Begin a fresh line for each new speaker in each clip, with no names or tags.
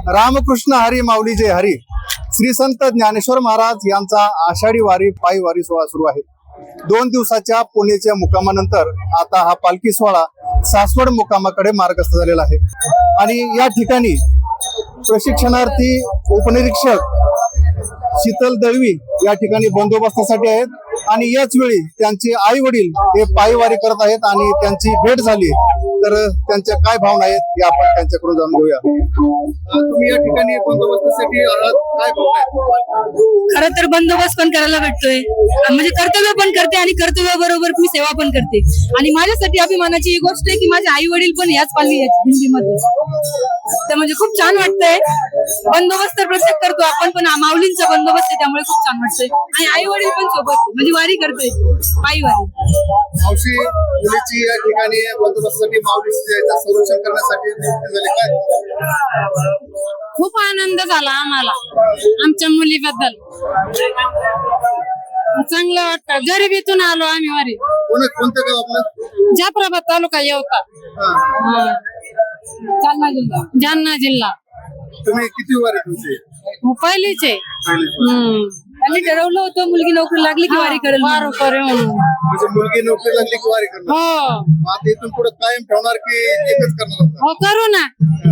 रामकृष्ण हरी माऊली जय हरी. श्री संत ज्ञानेश्वर महाराज यांचा आषाढी वारी पायी वारी सोहळा सुरू आहे. 2 दिवसाच्या पुण्याच्या मुक्कामानंतर आता हा पालखी सोहळा सासवड मुक्कामाकडे मार्गस्थ झालेला आहे. आणि या ठिकाणी प्रशिक्षणार्थी उपनिरीक्षक शीतल दळवी या ठिकाणी बंदोबस्तासाठी आहेत. आणि याच वेळी त्यांचे आई वडील हे पायी वारी करत आहेत आणि त्यांची भेट झाली. तर त्यांच्या काय भावना आहेत हे आपण त्यांच्याकडून जाणून घेऊया. तुम्ही या ठिकाणी बंदोबस्तासाठी आहात, काय भावना आहेत?
खरं तर बंदोबस्त पण करायला भेटतोय, म्हणजे कर्तव्य पण करते आणि कर्तव्याबरोबर मी सेवा पण करते. आणि माझ्यासाठी अभिमानाची ही गोष्ट आहे की माझे आई वडील पण याच पालखी दिंडीमध्ये. तर म्हणजे खूप छान वाटतंय. बंदोबस्त तर प्रत्येक करतो आपण, पण माऊलींचा बंदोबस्त आहे त्यामुळे खूप छान वाटतंय. आणि आई वडील पण सोबत म्हणजे वारी करतोय, पायी वारी.
मावशी, मुलीची या ठिकाणी बंदोबस्तासाठी माऊलीची संरक्षण करण्यासाठी नियुक्ती झाली, काय?
खूप आनंद झाला आम्हाला आमच्या मुलीबद्दल. चांगलं वाटतं. गरिबीतून आलो आम्ही वारी.
कोणतं गाव आपलं?
जाफराबाद तालुका येवता, जालना जिल्हा.
तुम्ही किती वारी तुमची?
पहिलीच आहे. आम्ही ठरवलं होतं मुलगी नोकरी लागली की वारी करेल.
म्हणजे मुलगी नोकरी लागली की वारी करणार?
हो.
आता इथून पुढे कायम ठेवणार की एकच करणार?
हो, करू ना.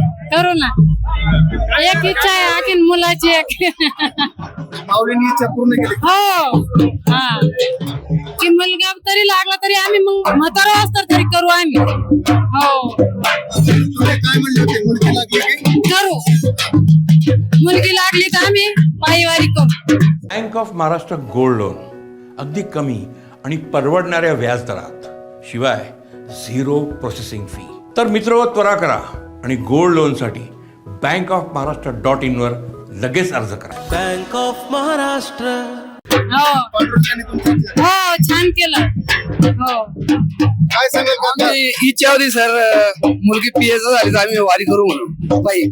एक इच्छा आहे आणखी मुलाची एक.
माऊलींनी इच्छा पूर्ण केली?
हो. हा, की मुलगा तरी लागला तरी आम्ही मग म्हातारा असतात तरी करू आम्ही. हो.
तुम्ही काय म्हणले होते, मुलगी लागली की
करू? मुलगी लागली तर आम्ही पायीवारी करू.
Bank of Maharashtra gold loan अगदी कमी आणि परवडणाऱ्या व्याजदरात, शिवाय 0 प्रोसेसिंग फी. तर मित्र, त्वरा करा आणि गोल्ड लोन साठी bankofmaharashtra.in वर लगेच अर्ज करा.
Bank of Maharashtra.
हो, छान केलं. हो.
काय सांगाल काका?
इच्छा होती सर, मुलगी पीएच झाली तर आम्ही वारी करू म्हणून बाई.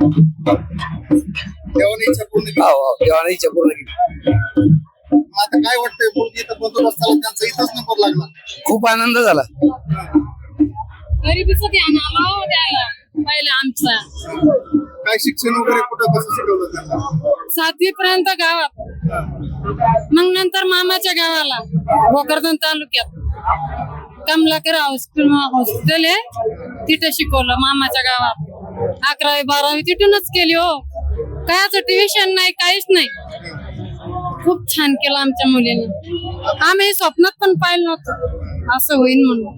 देवाने इच्छा पूर्ण केली?
हो, देवाने इच्छा पूर्ण केली.
आता काय वाटतंय, मुलगी इथं बंदोबस्ताला त्यांचा इथंच नंबर लागला?
खूप आनंद झाला.
गरिबीचं ध्यान आलं हो द्यायला पहिलं आमचा.
काय शिक्षण वगैरे कुठं कसं शिकवलं त्यांना?
7वी पर्यंत गावात, मग नंतर मामाच्या गावाला भोकरदन तालुक्यात कमलाकर हॉस्पिटल आहे, तिथे शिकवलं मामाच्या गावात. 11वी 12वी तिथूनच केली. हो, कायच ट्युशन नाही, काहीच नाही. खूप छान केलं आमच्या मुलीनं. आम्ही स्वप्नात पण पाहिलं नव्हतं असं होईल म्हणून.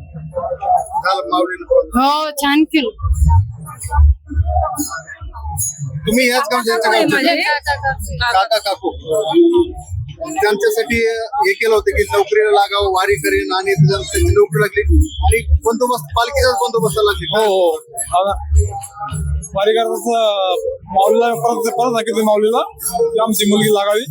हो, छान केलं.
तुम्ही याच काका काकू त्यांच्यासाठी हे केलं होतं की नोकरीला लागावं, वारी करेन, आणि त्यांची नोकरी लागली आणि बंदोबस्त, पालखीचाच बंदोबस्त लागली.
हो, वारी करताच माऊलीला परत सांगितलं माऊलीला की आमची मुलगी लागावी,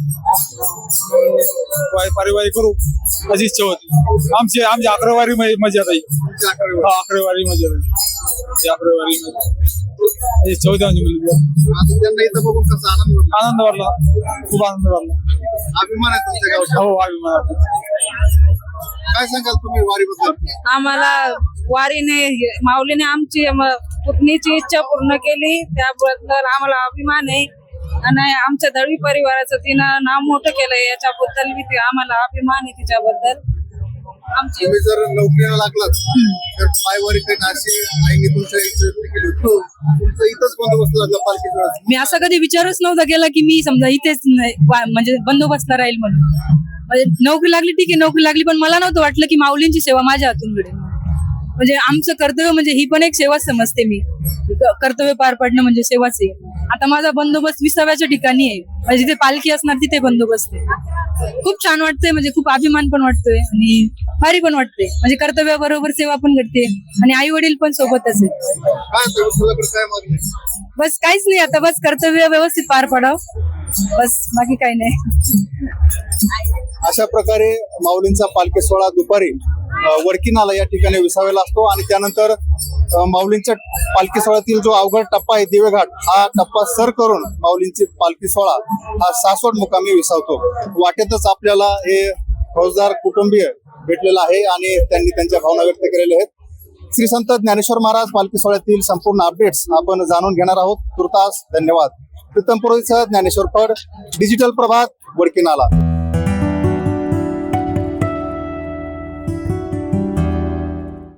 पारिवारी करू अशी इच्छा होती. आमची 11वी वारी मजा येईल. 11वी वारी मजा येईल. 11वी वारी इच्छा होती आमची मुलगी.
त्यांना इथं बघून कसा आनंद वाटला?
खूप आनंद वाटला.
अभिमान आहे तुमच्या गावचा?
हो, अभिमान.
काय सांगाल तुम्ही वारीबद्दल?
आम्हाला वारीने, माऊलीने आमची पुतणीची इच्छा पूर्ण केली, त्याबद्दल आम्हाला अभिमान आहे. आणि आमच्या दळवी परिवाराचं तिनं नाव मोठं केलंय, याच्याबद्दल मी आम्हाला अभिमान आहे तिच्याबद्दल. आमची
तुम्ही जर नोकरीला लागलात तर पायवारी करीन अशी आईने तुमच्या इच्छा केली होती. तुमचा इथंच बंदोबस्त लागला पालखीचा?
मी असा कधी विचारच नव्हता केला की मी समजा इथेच म्हणजे बंदोबस्तला राहील म्हणून. म्हणजे नोकरी लागली, ठीक आहे, नोकरी लागली, पण मला नव्हतं वाटलं की माऊलींची सेवा माझ्या हातून घडेल. म्हणजे आमचं कर्तव्य म्हणजे ही पण एक सेवाच समजते मी. कर्तव्य पार पाडणं म्हणजे सेवाच आहे. आता माझा बंदोबस्त 20व्याच्या ठिकाणी आहे, म्हणजे जिथे पालखी असणार तिथे बंदोबस्त आहे. खूप छान वाटतंय, म्हणजे खूप अभिमान पण वाटतोय आणि भारी पण वाटते. म्हणजे कर्तव्याबरोबर सेवा पण करते आणि आई वडील पण सोबतच आहेत.
काय मागणी?
बस काहीच नाही, आता बस कर्तव्य व्यवस्थित पार पाडावं, बस, बाकी काही नाही.
अशा प्रकारे माऊलींचा पालखी सोहळा दुपारी वडकीनाला या ठिकाणी विसावेला असतो आणि त्यानंतर माऊलींच्या पालखी सोहळ्यातील जो अवघड टप्पा आहे दिवेघाट, हा टप्पा सर करून माऊलींची पालखी सोहळा हा सासवड मुकामी विसावतो. वाटेतच आपल्याला हे फौजदार कुटुंबीय भेटलेला आहे आणि त्यांनी त्यांच्या भावना व्यक्त केलेल्या आहेत. श्री संत ज्ञानेश्वर महाराज पालखी सोहळ्यातील संपूर्ण अपडेट्स आपण जाणून घेणार आहोत. तुर्तास धन्यवाद. प्रीतम पुरोहितसह ज्ञानेश्वर फड, डिजिटल प्रभात, वडकी नाला.